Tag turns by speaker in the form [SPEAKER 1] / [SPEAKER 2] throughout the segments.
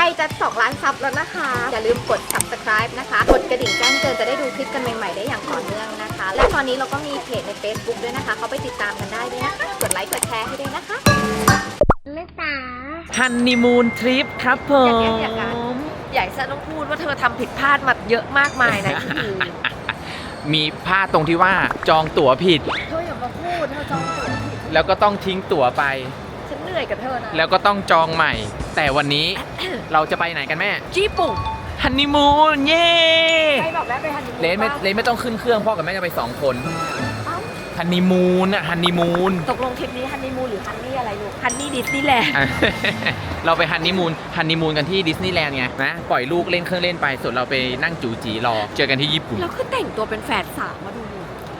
[SPEAKER 1] จะ2 ล้านซับแล้วนะคะ อย่าลืมกด subscribe นะคะ กดกระดิ่งแจ้งเตือนจะได้ดูคลิปกันใหม่ๆได้อย่างต่อเนื่องนะคะ และตอนนี้เราก็มีเพจใน Facebook ด้วยนะคะ เขาไปติดตามกันได้ด้วยนะคะ กดไลค์กดแชร์ให้ด้วยนะคะลิสา
[SPEAKER 2] ฮันนีมูนทริปครับผม
[SPEAKER 1] ใหญ่ซะต้องพูดว่าเธอทำผิดพลาดมาเยอะมากมายนะที่ดี
[SPEAKER 2] มีพลาดตรงที่ว่าจองตั๋วผิด
[SPEAKER 1] เธออย่ามาพูดเธอจองตั๋วผิด
[SPEAKER 2] แล้วก็ต้องทิ้งตั๋วไป
[SPEAKER 1] ฉันเหนื่อยกับเธอนะ
[SPEAKER 2] แล้วก็ต้องจองใหม่ แต่วันนี้ เราจะไปไหนกันแม่
[SPEAKER 1] ญี่ปุ่น
[SPEAKER 2] ฮันนีมูนเย้
[SPEAKER 1] ใครบอกแม่ไปฮันนีมูน
[SPEAKER 2] เลนไม่ต้องขึ้นเครื่องพ่อกับแม่จะไป2 คน
[SPEAKER 1] เอ้า
[SPEAKER 2] ฮันนีมูนอะฮันนีมูน
[SPEAKER 1] ตกลงทริปนี้ฮันนีมูนหรือฮันนี่อะไรลูกฮันนี่ดิสนีย์แลนด์
[SPEAKER 2] เราไปฮันนีมูนกันที่ดิสนีย์แลนด์ไงนะปล่อยลูกเล่นเครื่องเล่นไปส่วนเราไปนั่งจูจีรอเจอกันที่ญี่ปุ่น
[SPEAKER 1] แล้วคือแต่งตัวเป็นแฝดสามมาดู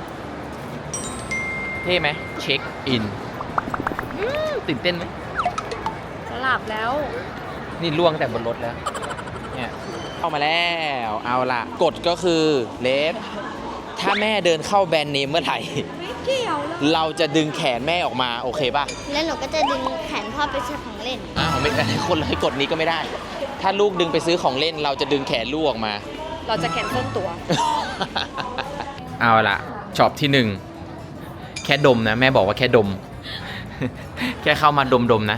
[SPEAKER 2] เท่ไหมเช็คอินตื่นเต้นไหม
[SPEAKER 1] สลับแล้ว
[SPEAKER 2] นี่ล่วงแต่บนรถแล้วเนี่ยเข้ามาแล้วเอาล่ะกฎก็คือเลสถ้าแม่เดินเข้าแบรนด์เนมเมื่อไหร่
[SPEAKER 1] ไม่เกี่ยวเลย
[SPEAKER 2] เราจะดึงแขนแม่ออกมาโอเคป่ะ
[SPEAKER 3] แล้วหนูก็จะดึงแขนพ่อไปซื้อของเล่น
[SPEAKER 2] อ้าวไม่ได้คนเลยกฎนี้ก็ไม่ได้ ถ้าลูกดึงไปซื้อของเล่น เราจะดึงแขนลูกออกมา
[SPEAKER 1] เราจะแคนเซิลตัว
[SPEAKER 2] เอาล่ะช็อปที่ 1 แค่ดมนะแม่บอกว่าแค่ดม แค่เข้ามาดมนะ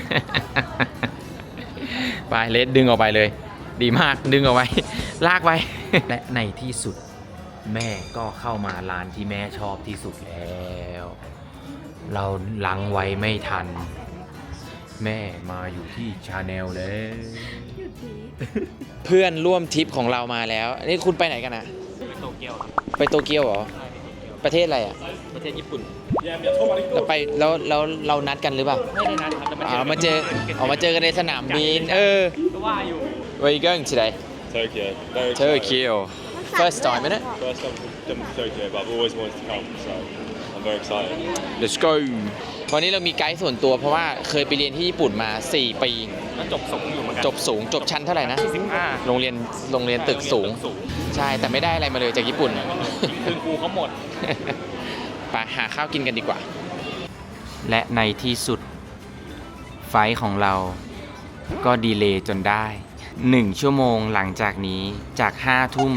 [SPEAKER 2] ไปเลสดึงออกไปเลย ดีมากดึงออกไป ลากไป และในที่สุด แม่ก็เข้ามาร้านที่แม่ชอบที่สุดแล้ว เราลังไว้ไม่ทัน แม่มาอยู่ที่ชาแนลแล้ว เพื่อนร่วมทริปของเรามาแล้วนี่คุณไปไหนกันนะไปโตเกียวไปโตเกียวเหรอประเทศอะไรอ่ะประเทศญี่ปุ่นเราไปแล้วเรานัดกันหรือเปล่าไม่ได้นัดครับมาเจอกันในสนามบินก็ว่าอยู่ Where you going today
[SPEAKER 4] Tokyo. Very
[SPEAKER 2] Tokyo first time isn't it
[SPEAKER 4] First time to Tokyo, but I've always wanted to come, so I'm very excited.
[SPEAKER 2] Let's go วันนี้เรามีไกด์ส่วนตัวเพราะว่าเคยไปเรียนที่ญี่ปุ่นมา4 ปีแล้วจบสูงอยู่เหมือนกันจบสูงจบชั้นเท่าไหร่นะ15โรงเรียนตึกสูงใช่แต่ไม่ได้อะไรมาเลยจากญี่ปุ่นคืนครูเขาหมด ไปหาข้าวกินกันดีกว่า และในที่สุดไฟล์ของเราก็ดีเลย์จนได้ 1 ชั่วโมงหลังจากนี้จาก5 ทุ่ม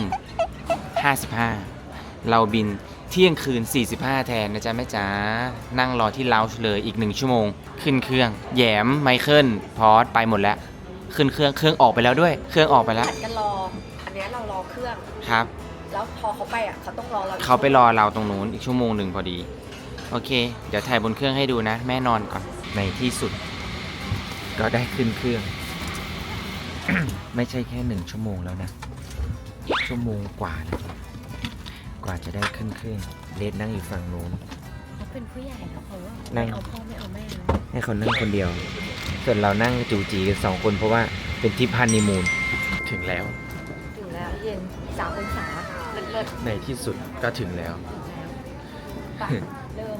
[SPEAKER 2] 55เราบินเที่ยงคืน45แทนนะจ๊ะแม่จ๋านั่งรอที่ลาวช์เลยอีก1 ชั่วโมงขึ้นเครื่องแยมไมเคิลพอสไปหมดแล้วขึ้นเครื่องออกไปแล้วด้วยเครื่องออกไปแล้ว
[SPEAKER 1] ผัดกันรอ อันนี้เรารอเครื่อง
[SPEAKER 2] ครับ
[SPEAKER 1] แล้วพอเขาไปอ่ะเขาต้องรอเรา
[SPEAKER 2] เขาไปรอเราตรงนู้นอีกชั่วโมงหนึ่งพอดีโอเคเดี๋ยวถ่ายบนเครื่องให้ดูนะแม่นอนก่อนในที่สุดก็ได้ขึ้นเครื่อง ไม่ใช่แค่1 ชั่วโมงแล้วนะชั่วโมงกว่าแล้วกว่าจะได้ขึ้นเครื่องเลดนั่งอยู่ฝั่งนู้น
[SPEAKER 1] เขาเป็นผู้ใหญ่แล้วเขาว่า
[SPEAKER 2] นั่
[SPEAKER 1] ไม่
[SPEAKER 2] ง
[SPEAKER 1] เอาพ่อไม่เอาแม่แล้ว
[SPEAKER 2] ให้เขานั่งคนเดียว ส่วนเรานั่งจูจีกัน2 คนเพราะว่าเป็นทริปฮันนีมูนถึงแล้ว
[SPEAKER 1] ถึงแล้วเย็น3 องศาเลิศ
[SPEAKER 2] ในที่สุดก็ถึงแล้ว
[SPEAKER 1] ๆไปเริ่ม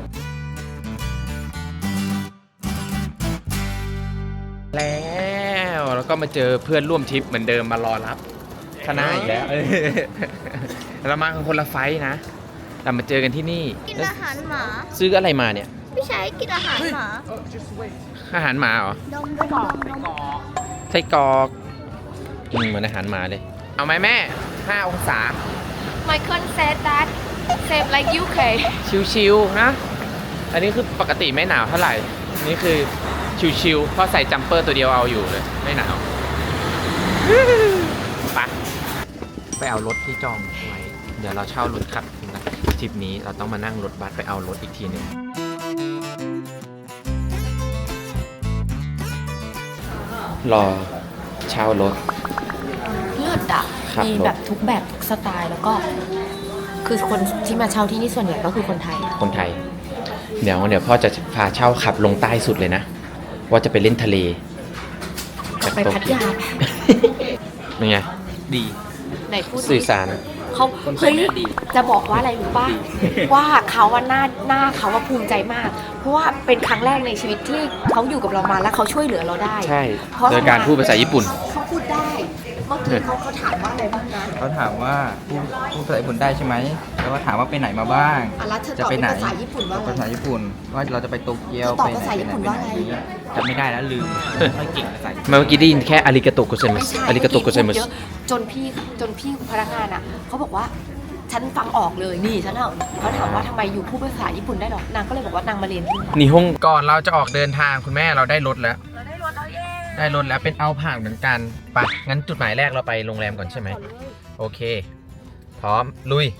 [SPEAKER 2] แล้วก็มาเจอเพื่อนร่วมทริปเหมือนเดิมมารอรับคณะอีกแล้วเรามากันคนละไฟท์นะเรามาเจอกันที่นี่
[SPEAKER 3] กินอาหารหมา
[SPEAKER 2] ซื้ออะไรมาเนี่ย
[SPEAKER 3] พี่ชายกินอาหารหมา
[SPEAKER 2] อาหารหมาเหรอ
[SPEAKER 3] ดมดมดม
[SPEAKER 2] ไส้กรอกเหมือนอาหารหมาเลย เอาไหมแม่5 องศา
[SPEAKER 1] Michael said that same like UK
[SPEAKER 2] ชิวๆนะ อันนี้คือปกติไม่หนาวเท่าไหร่ นี่คือชิวๆเพราะใส่จัมเปอร์ตัวเดียวเอาอยู่เลยไม่หนาวไปเอารถที่จองไว้ เดี๋ยวเราเช่ารถขับนะทริปนี้เราต้องมานั่งรถบัสไปเอารถอีกทีหนึ่งรอเช่ารถ
[SPEAKER 1] เลิศอ่ะ
[SPEAKER 2] ครับ
[SPEAKER 1] มีแบบทุกแบบทุกสไตล์แล้วก็ คือคนที่มาเช่าที่นี่ส่วนใหญ่ก็คือคนไทย
[SPEAKER 2] คนไทย เดี๋ยวพ่อจะพาเช่าขับลงใต้สุดเลยนะ ว่าจะไปเล่นทะเล
[SPEAKER 1] ไปพัทยา
[SPEAKER 2] เป็นไง ดี
[SPEAKER 1] ไหนพูด
[SPEAKER 2] สื่อ
[SPEAKER 1] ดิ
[SPEAKER 2] สาร
[SPEAKER 1] เขา
[SPEAKER 2] คนไทย
[SPEAKER 1] เฮ้ย
[SPEAKER 2] แม่ดี
[SPEAKER 1] จะบอกว่าอะไรรู้ป่ะ ว่าเขาว่าหน้าเขาว่าภูมิใจมาก เพราะว่าเป็นครั้งแรกในชีวิตที่เขาอยู่กับเรามาแล้วเขาช่วยเหลือเราได้
[SPEAKER 2] ใช่
[SPEAKER 1] เพราะ
[SPEAKER 2] โดยการพูดภาษาญี่ปุ่น
[SPEAKER 1] เขาพูดได้มื่อกี้เขาถามว่าอะไรบ้างนะ
[SPEAKER 5] เขาถามว่าพูดภาษาญี่ปุ่นได้ใช่ไหมแล้วก็ถามว่าไปไหนมาบ้าง
[SPEAKER 1] แล้วเธอ
[SPEAKER 5] จะ
[SPEAKER 1] ตอบ
[SPEAKER 5] ไป
[SPEAKER 1] เป็น
[SPEAKER 5] ไหน
[SPEAKER 1] ภาษาญี่ปุ่นว่า
[SPEAKER 5] ภา
[SPEAKER 1] อะไร
[SPEAKER 5] ษาญี่ปุ่นว่าเราจะไปโตเกียว
[SPEAKER 1] ตอบ
[SPEAKER 5] ไปไหน
[SPEAKER 1] ภาษาญี่ปุ่นว่าอะไร
[SPEAKER 5] จำไม่ได้แล้วลืมไม่เก่งภาษาญี่ปุ่น
[SPEAKER 2] เมื่อกี้ได้ยินแค่อาริกาโตะโกเซมั
[SPEAKER 1] ไม่
[SPEAKER 2] ส
[SPEAKER 1] ใช่
[SPEAKER 2] อาริกาโตะโกเซมัส
[SPEAKER 1] เยอะจนพี่พนักงานอ่ะเขาบอกว่าฉันฟังออกเลยนี่ฉันเอาเขาถามว่าทำไมอยู่พูดภาษาญี่ปุ่นได้หรอนางก็เลยบอกว่านางมาเรียนที่นี่
[SPEAKER 2] นี่ห้องก่อนเราจะออกเดินทางคุณแม่เราได้รถแล้ว ได้รถแล้วเป็นเอาผ่านเหมือนกันไปะงั้นจุดหมายแรกเราไปโรงแรมก่อนใช่ไหมโอเค พร้อมลุย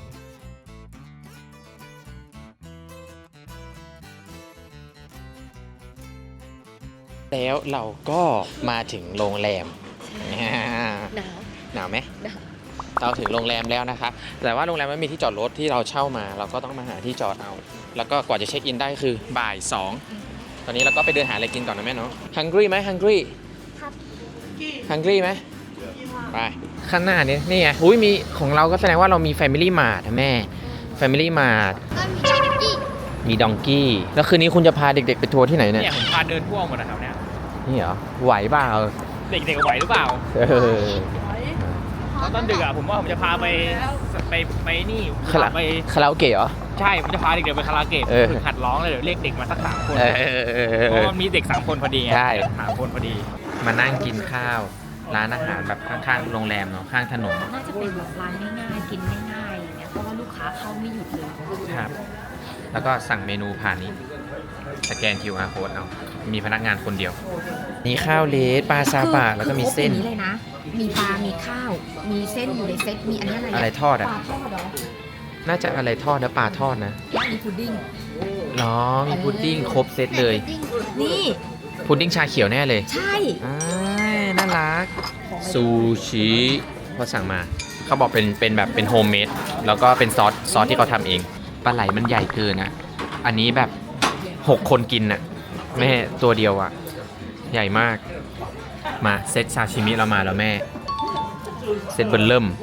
[SPEAKER 2] แล้วเราก็มาถึงโรงแรม
[SPEAKER 1] หนาว
[SPEAKER 2] หนาวไหม
[SPEAKER 1] หนาว
[SPEAKER 2] เราถึงโรงแรมแล้วนะครับ แต่ว่าโรงแรมไม่มีที่จอดรถที่เราเช่ามา เราก็ต้องมาหาที่จอดเอา แล้วก็กว่าจะเช็คอินได้คือบ่าย2ตอนนี้เราก็ไปเดินหาอะไรกินก่อนนะแม่เนาะ ฮังกี้ไหมฮังกี้ฮังกี้ไหมไป ข้างหน้านี้นี่ไงอุ้ยมีของเราก็แสดงว่าเรามี Family Mart นะแม่ Family Mart
[SPEAKER 3] ก็มีที่
[SPEAKER 2] มีดองกี้ แล้วคืนนี้คุณจะพาเด็กๆไปทัวร์ที่ไหนเนี่ย
[SPEAKER 6] เนี่ยผมพาเดินทั่วหมดนะครับเนี่ย
[SPEAKER 2] นี่เหรอ ไหวเปล่า
[SPEAKER 6] เด็กๆไหวหรือเปล่า
[SPEAKER 2] เออ
[SPEAKER 6] ตอนดึกอ่ะผมว่าผมจะพาไปนี่
[SPEAKER 2] คารา
[SPEAKER 6] ไป
[SPEAKER 2] คาราโอเกะเหรอ
[SPEAKER 6] ใช่ผมจะพาเด็กๆไปคาราโอเกะ
[SPEAKER 2] เออ
[SPEAKER 6] ฝึกหัดร้องเลยเดี๋ยวเรียกเด็กมาสัก3 คน
[SPEAKER 2] เออ
[SPEAKER 6] เพราะว่ามีเด็ก3 คนพอดีไง
[SPEAKER 2] ใช่
[SPEAKER 6] 3 คนพอดี
[SPEAKER 2] มานั่งกินข้าว ร้านอาหารแบบข้างๆโรงแรมเนาะข้างถนน
[SPEAKER 1] น่าจะเป็นแบบร้านง่ายๆกินง่ายๆอย่างเงี้ยเพราะว่าลูกค้าเข้าไม่หยุดเลย
[SPEAKER 2] ครับ แล้วก็สั่งเมนูผ่านนี้ สแกน QR code เอามีพนักงานคนเดียว นี่ข้าวเลสปลาซาบะแล้วก็มีเส้น
[SPEAKER 1] คือครบอย่างนี้เลยนะ มีปลา มีข้าว มีเส้นอยู่ในเซต มีอันนี้อะไร
[SPEAKER 2] อะไรทอดอ่ะ
[SPEAKER 1] ปลาทอดเหรอ
[SPEAKER 2] น่าจะอะไรทอดนะปลาทอดนะ
[SPEAKER 1] แล้วมีพุดดิ้ง
[SPEAKER 2] อ๋อมีพุดดิ้งครบเซตเลย
[SPEAKER 1] นี่
[SPEAKER 2] พุดดิ้งชาเขียวแน่เลย
[SPEAKER 1] ใช่
[SPEAKER 2] อ้ายน่ารัก ซูชิพอสั่งมา เขาบอกเป็นแบบเป็นโฮมเมด แล้วก็เป็นซอสที่เขาทำเอง ปลาไหลมันใหญ่เกินอ่ะ อันนี้แบบ 6 คนกินน่ะแม่ตัวเดียวอ่ะ ใหญ่มาก มาเซตซาชิมิเรามาแล้วแม่ เซตเบิร์เริ่ม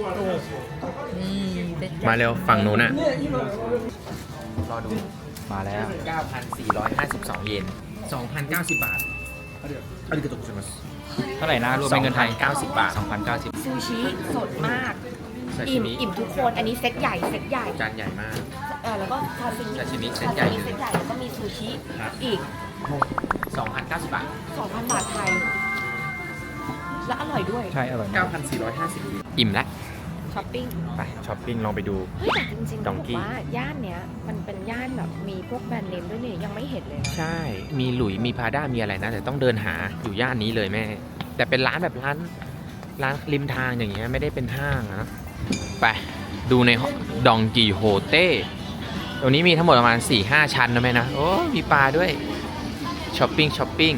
[SPEAKER 2] มาเร็วฝั่งนู้นน่ะ รอดู มาแล้ว 9,452 เยน 2,090 บาทอาริกาโตะโกไซมัส
[SPEAKER 6] เท่าไหร่นะรวมเป็นเงินไทย
[SPEAKER 2] 2,090 บาท 2,090
[SPEAKER 1] ซูชิสดมาก
[SPEAKER 2] ซาชิ
[SPEAKER 1] อิ่ม
[SPEAKER 2] มิ
[SPEAKER 1] อิ่มทุกคน อันนี้เซตใหญ่ เซตใหญ่
[SPEAKER 2] จานใหญ่มาก
[SPEAKER 1] แล้วก็ซาซิมิ
[SPEAKER 2] ซาชิมิเซตใหญ่
[SPEAKER 1] เซตใหญ่ แล้วก็มีซูชิ
[SPEAKER 2] ครับ
[SPEAKER 1] อีก
[SPEAKER 2] 2,090 บาท
[SPEAKER 1] 2,000 บาทไทย และอร่อยด้วย
[SPEAKER 6] ใช่อร่อย
[SPEAKER 2] 9,450 อิ่มแล้ว
[SPEAKER 1] ช้อปปิ้ง
[SPEAKER 2] ไปช้อปปิ้งลองไปดู
[SPEAKER 1] เฮ้ยแต่จริงๆ
[SPEAKER 2] ด
[SPEAKER 1] ต้อ
[SPEAKER 2] อง ง
[SPEAKER 1] บอก
[SPEAKER 2] กี้
[SPEAKER 1] ว่าย่านเนี้ยมันเป็นย่านแบบมีพวกแบรนด์เนมด้วยนี่ยังไม่เห็นเลยนะ
[SPEAKER 2] ใช่ มีหลุย มีพาด้า มีอะไรนะ แต่ต้องเดินหาอยู่ย่านนี้เลยแม่ แต่เป็นร้านแบบร้านริมทางอย่างเงี้ย ไม่ได้เป็นห้างนะ ไป ดูในดองกีโฮเต้ตรงนี้มีทั้งหมดประมาณ 4-5 ชั้นนะแม่นะ โอ้ มีปลาด้วย ช้อปปิ้ง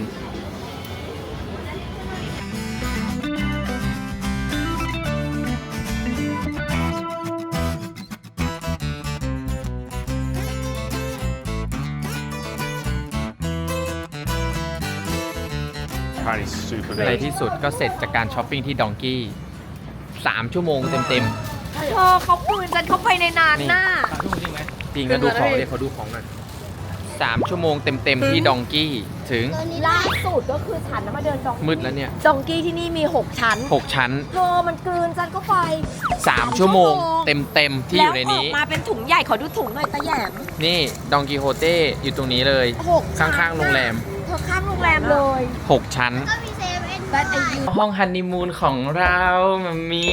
[SPEAKER 4] Apparently super
[SPEAKER 2] ใน
[SPEAKER 4] good.
[SPEAKER 2] ที่สุดก็เสร็จจากการช้อปปิ้งที่ดองกี้ 3 ชั่วโมงเต็ม
[SPEAKER 1] เธอเขาปืนฉันเข้าไปในนานหน้า
[SPEAKER 2] ๆ จริงนะดูของเดี๋ยวเขาดูของหน่อย3 ชั่วโมงเต็มๆที่ดองกี้ ถึง
[SPEAKER 1] ล่าสุดก็คือฉันน่ะมาเดินดอง
[SPEAKER 2] มืดแล้วเนี่ย
[SPEAKER 1] ดองกี้ที่นี่มี 6 ชั้น
[SPEAKER 2] 6 ชั้น
[SPEAKER 1] โธ่มันกลืนฉันก็ไป
[SPEAKER 2] 3 ชั่วโมงเต็มๆที่อยู่ในนี้
[SPEAKER 1] แล้วออกมาเป็นถุงใหญ่ขอดูถุงหน่อยตาแหยม
[SPEAKER 2] นี่ดองกีโฮเต้อยู่ตรงนี้เลย
[SPEAKER 1] 6
[SPEAKER 2] ข้างๆโรงแรม
[SPEAKER 1] เธอข้างโรงแรมเลย
[SPEAKER 2] 6 ชั้น
[SPEAKER 3] ก็มีเซเว่น
[SPEAKER 1] แบทไอยู
[SPEAKER 2] ห้องฮันนีมูนของเรามามี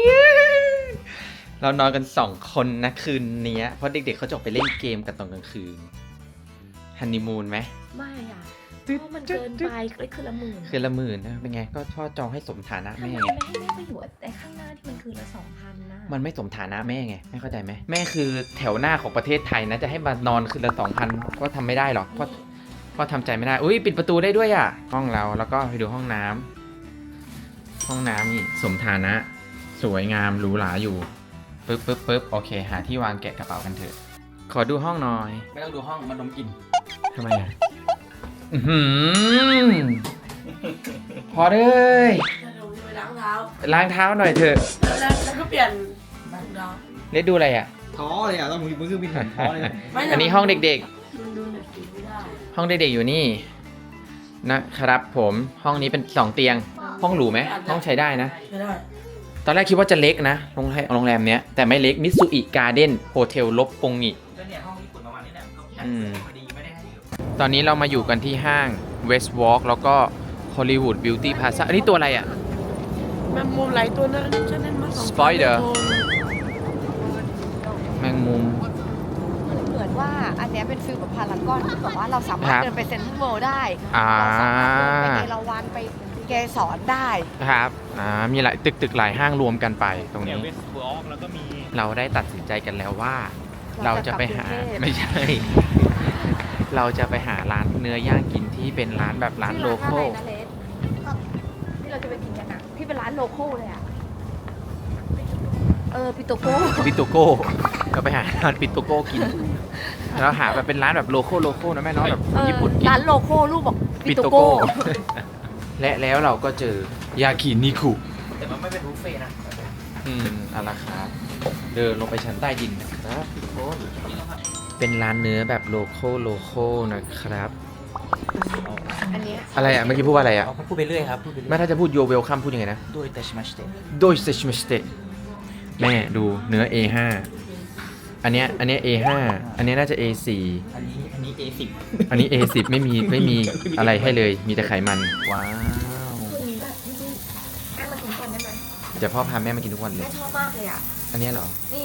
[SPEAKER 2] เรานอนกัน 2 คนนะคืนนี้เพราะเด็กๆเขาจะออกไปเล่นเกมกันตอนกลางคืนฮันนีมูนไหม
[SPEAKER 1] ไม่อ่ะเพราะมันเกินไปเลยคือละหมื่น
[SPEAKER 2] คืนละหมื่นนะเป็นไงก็พ่อจองให้สมฐานะ
[SPEAKER 1] ทำไม
[SPEAKER 2] แม่
[SPEAKER 1] ไม่
[SPEAKER 2] ไง
[SPEAKER 1] ให้แม่ไปอยู่ไอ้ข้างหน้าที่มันคือละ2,000นะ
[SPEAKER 2] มันไม่สมฐานะแม่ไงแม่เข้าใจไหมแม่คือแถวหน้าของประเทศไทยนะจะให้มานอนคืนละ 2,000 ก็ทำไม่ได้หรอกก็ทำใจไม่ได้อุ้ยปิดประตูได้ด้วยอ่ะห้องเราแล้วก็ไปดูห้องน้ำนี่สมฐานะ สวยงามหรูหราอยู่ปึ๊บโอเค หาที่วางแกะกระเป๋ากันเถอะขอดูห้องหน่อย
[SPEAKER 5] ไม่ต้องดูห้องมันดมกลิ่น
[SPEAKER 2] ทำไมอ่ะพอเลยล้างเท้าหน่อยเถอะ
[SPEAKER 7] แล้วก็เปลี่ยนรองเท้า
[SPEAKER 2] เล็ดดูอะไรอ่ะ
[SPEAKER 5] ท้อเลยอ่ะต้องมือเครื่องบินท้อเลย
[SPEAKER 2] อันนี้ห้องเด็ก
[SPEAKER 7] มันดูหนังสือไม่ได้
[SPEAKER 2] ๆ ห้องเด็กๆอยู่นี่นะครับผมห้องนี้เป็น2 เตียง ห้องหรูไหมห้องใช้ได้นะ
[SPEAKER 7] ไม่ได้
[SPEAKER 2] ตอนแรกคิดว่าจะเล็กนะโรงแรมเนี้ยแต่ไม่เล็กมิตซุอิการ์เด้นโฮเทลลบปงงิ
[SPEAKER 5] เนี่ยห้องญี่ปุ่นประมาณนี้แหละ
[SPEAKER 2] อืม
[SPEAKER 5] พอดีไม่ได้ให้อยู่
[SPEAKER 2] ตอนนี้เรามาอยู่กันที่ห้าง West Walk แล้วก็ Hollywood Beauty Plaza อันนี้ตัวอะไรอ่ะ
[SPEAKER 7] แมงมุมหลายตัวนะฉันนั่นมาสอง
[SPEAKER 2] Spider แมงมุม
[SPEAKER 1] เหมือนว่าอันเนี้ยเป็นฟิลกับพารากอนที่แบบว่าเราสามาร
[SPEAKER 2] ค
[SPEAKER 1] ถ
[SPEAKER 2] รับ
[SPEAKER 1] เดินไปเซ็นทรัลเวิลด์ได้
[SPEAKER 2] อ่า
[SPEAKER 1] เราสามารถเดินไปเอราวัณไปเกสรได้
[SPEAKER 2] ครับมีหลายตึกหลายห้างรวมกันไปตรง
[SPEAKER 6] เนี่ย
[SPEAKER 2] นี้
[SPEAKER 6] เวสต์บล็อกแล้วก็มี
[SPEAKER 2] เราได้ตัดสินใจกันแล้วว่า เรา
[SPEAKER 1] เรา
[SPEAKER 2] จะ
[SPEAKER 1] จะ
[SPEAKER 2] ไป
[SPEAKER 1] กลับ
[SPEAKER 2] หาก
[SPEAKER 1] รุงเทพ
[SPEAKER 2] ไม่ใช่ เราจะไปหาร้านเนื้อย่างกินที่เป็นร้านแบบร้านโลคอล
[SPEAKER 1] ที่ร้านอะไรนะเลสที่เราจะไปกินกันอ่ะที่เป็นร้านโลคอลเลยอ่ะปิโตโก้
[SPEAKER 2] ปิโตโก้เราไปหาร้านปิโตโก้กินเราหาแบบเป็นร้านแบบโลคอลนะแม่เนาะแบบญี่ปุ่นกิน
[SPEAKER 1] ร้านโลโก้ลูกบอก
[SPEAKER 2] ปิ
[SPEAKER 1] ปิ
[SPEAKER 2] โต
[SPEAKER 1] โต
[SPEAKER 2] โก้
[SPEAKER 1] โก้
[SPEAKER 2] และแล้วเราก็เจอยากินิคุ
[SPEAKER 5] แต่มันไม่เป็นบุฟเฟ่ต์นะ
[SPEAKER 2] เอาละครับเดินลงไปชั้นใต้ดินนะครับทุกคนเป็นร้านเนื้อแบบโลคอลนะครับ
[SPEAKER 1] อันเนี้ย
[SPEAKER 2] อะไรอ่ะเมื่อกี้พูดว่าอะไรอ่ะ
[SPEAKER 5] พูดไปเรื่อยครับพูดไปเรื่
[SPEAKER 2] แม่
[SPEAKER 5] อย
[SPEAKER 2] ถ้าจะพูดโยเวลคัมพูดยังไงนะ
[SPEAKER 5] ด้วยแต่ชมาสเต
[SPEAKER 2] โดยเซชมิสเตแม่ดูเนื้อ A5 อันเนี้ย A5 อันเนี้ยน่าจะ A4
[SPEAKER 5] อันนี้ A10
[SPEAKER 2] อันนี้ A10 ไม่มีอะไรให้เลยมีแต่ไขมันว้าว
[SPEAKER 1] แม่มากินก่อนได้ไหม
[SPEAKER 2] เดี๋ยวพ่อพาแม่มากินทุกวันเล
[SPEAKER 1] แม่
[SPEAKER 2] ย
[SPEAKER 1] ชอบมากเลยอ่ะ
[SPEAKER 2] อันเนี้ยเหรอ
[SPEAKER 1] นี่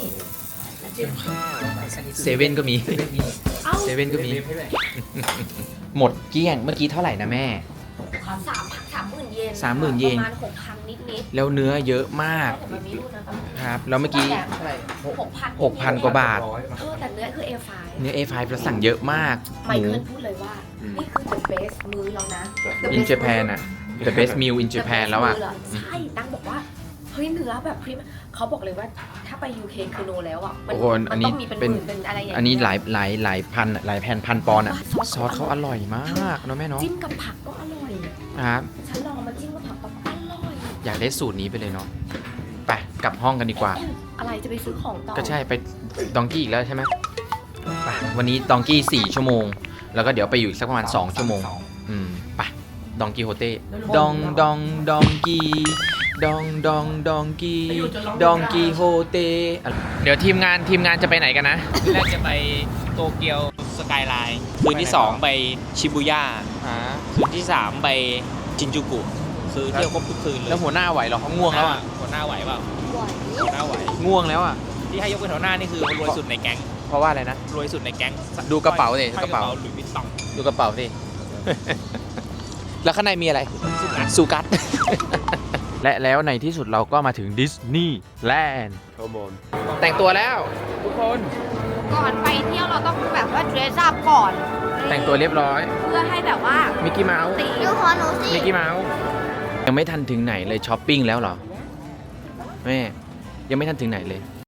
[SPEAKER 2] เซเว่นก็มีเซเว่นก็มี หมดเกลี้ยงเมื่อกี้เท่าไหร่นะแม่
[SPEAKER 1] 30,000 เยน
[SPEAKER 2] 30,000 เยน
[SPEAKER 1] ประมาณ 6,000 นิด
[SPEAKER 2] แล้วเนื้อเยอะมาก
[SPEAKER 1] ๆแต่มันมีรูปนะครับ
[SPEAKER 2] แล้วเมื่อกี้
[SPEAKER 5] เท่าไหร่
[SPEAKER 2] 6,000 กว่าบาท
[SPEAKER 1] แต่เนื้อคือ A5
[SPEAKER 2] เนื้อ A5 เราสั่งเยอะมาก
[SPEAKER 1] ไม
[SPEAKER 2] หมู
[SPEAKER 1] เคิลพูดเลยว่า นี่คือ the best มื้อแล้วนะ The
[SPEAKER 2] in
[SPEAKER 1] best
[SPEAKER 2] Japan
[SPEAKER 1] มื้
[SPEAKER 2] อ่ะ the best meal in
[SPEAKER 1] The
[SPEAKER 2] Japan
[SPEAKER 1] best
[SPEAKER 2] แล้วอ่ะ
[SPEAKER 1] มื้เหรใช่ตั้งบอกว่า เฮ้ยเนื้อแบบพรีมเขาบอกเลยว่าถ้าไป UK คือโนแล้วอ่ะ มั
[SPEAKER 2] โอ้โหอันนี้
[SPEAKER 1] ต้องมีเป็นห
[SPEAKER 2] เป็น
[SPEAKER 1] มื่นเป็นอะไรอย่างเงี้ย
[SPEAKER 2] อันนี้หลายพันหลายพันปอนด์อ่ะ
[SPEAKER 1] ซอส
[SPEAKER 2] ซอสเขาอร่อยมากเนาะแม่เนาะ
[SPEAKER 1] จิ้มกับผักก็อร่อย
[SPEAKER 2] ครับ
[SPEAKER 1] ฉันลองมาจิ้มกับผักก็อร่อย
[SPEAKER 2] อยากได้สูตรนี้ไปเลยเนาะไปกลับห้องกันดีกว่า
[SPEAKER 1] อะไรจะไปซื้อของต่อ
[SPEAKER 2] ก็ใช่ไปดองกี้อีกแล้วใช่ไหมไปวันนี้ดองกี้4 ชั่วโมง แล้วก็เดี๋ยวไปอยู่อีกสักประมาณ2 ชั่วโมงไปดองกี้โฮเต้ดองกี้ดองกี้โฮเต้เดี๋ยวทีมงานจะไปไหนกันนะ
[SPEAKER 6] แรกจะไปโตเกียวสกายไลน์คืนที่ 2 ไปชิบูย่าคืนที่ 3 ไปชินจูกุ คือเที่ยวครบทุกคืนเลย
[SPEAKER 2] แล้วหัวหน้าไหวเหรอเขาง่วงแล้วอ่ะ
[SPEAKER 6] หัวหน้าไหวเปล่าหัวหน้าไหว
[SPEAKER 2] ง่วงแล้วอ่ะ
[SPEAKER 6] ที่ให้ยกเป็นหัวหน้านี่คือรวยสุดในแก๊ง
[SPEAKER 2] เพราะว่าอะไรนะ
[SPEAKER 6] รวยสุดในแก๊ง
[SPEAKER 2] ดูกระเป๋าดิ
[SPEAKER 6] ห้อย
[SPEAKER 2] กระเป๋า
[SPEAKER 6] หลุยส์วิตตอง
[SPEAKER 2] ดูกระเป๋าสิ แล้วข้างในมีอะไรซูกัส และแล้วในที่สุดเราก็มาถึงดิสนีย์แลนด์
[SPEAKER 4] Come on.
[SPEAKER 2] แต่งตัวแล้วทุกคน
[SPEAKER 1] ก่อนไปเที่ยวเราต้องแบบว่าเดรสอัพก่อน
[SPEAKER 2] แต่งตัวเรียบร้อย
[SPEAKER 1] เพื่อให้แบบว่า
[SPEAKER 2] มิกกี้เมาส์
[SPEAKER 1] ตี
[SPEAKER 3] ดูขอหนูสิ
[SPEAKER 2] มิกกี้เมาส์ยังไม่ทันถึงไหนเลยช้อปปิ้งแล้วเหรอแม่ยังไม่ทันถึงไหนเลย